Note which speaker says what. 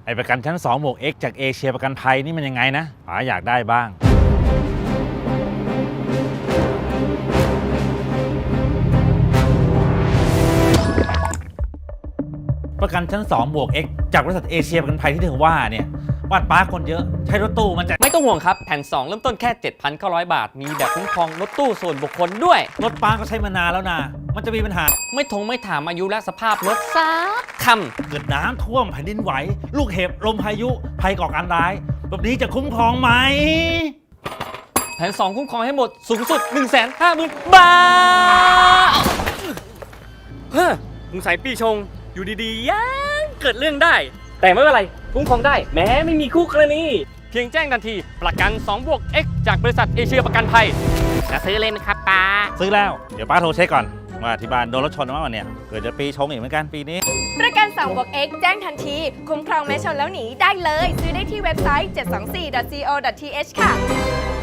Speaker 1: ไอประกันชั้น2 บวก X จากเอเชียประกันภัยนี่มันยังไงนะป๋าอยากได้บ้างประกันชั้น2 บวก X จากบริษัทเอเชียประกันภัยที่เธอว่าเนี่ยบ้านป้าคนเยอะใช้รถตู้มันจะ
Speaker 2: ไม่ต้องห่วงครับแผ่น 2 เริ่มต้นแค่ 7,900 บาท มีแบบคุ้มครองรถตู้ส่วนบุคคลด้วย
Speaker 1: รถป้าก็ใช้มานานแล้วนะมันจะมีปัญหา
Speaker 2: ไม่ถามอายุและสภาพรถสักค
Speaker 1: เกิดน้ำท่วมแผ่นดินไหวลูกเห็บลมพายุภัยก่อการร้ายแบบนี้จะคุ้มครองไหม
Speaker 2: ำแผ่น 2 คุ้มครองให้หมดสูงสุด 150,000 บาทเฮ้อสงสัยปีชงอยู่ดีๆยังเกิดเรื่องได้ แต่ไม่เป็นไรคุ้มครองได้แม้ไม่มีคู่กรณีเพียงแจ้งทันทีประกัน2 บวก X จากบริษัทเอเชียประกันภัยจะซื้อเลยไหมครับป้า
Speaker 1: ซื้อแล้วเดี๋ยวป้าโทรเช็คก่อนว่าที่บ้านโดนรถชนมาวันเนี่ยเกิดจะปีชงอีกเหมือนกันปีนี้
Speaker 3: ประกัน2 บวก X แจ้งทันทีคุ้มครองแม้ชนแล้วหนีได้เลยซื้อได้ที่เว็บไซต์ 724.co.th ค่ะ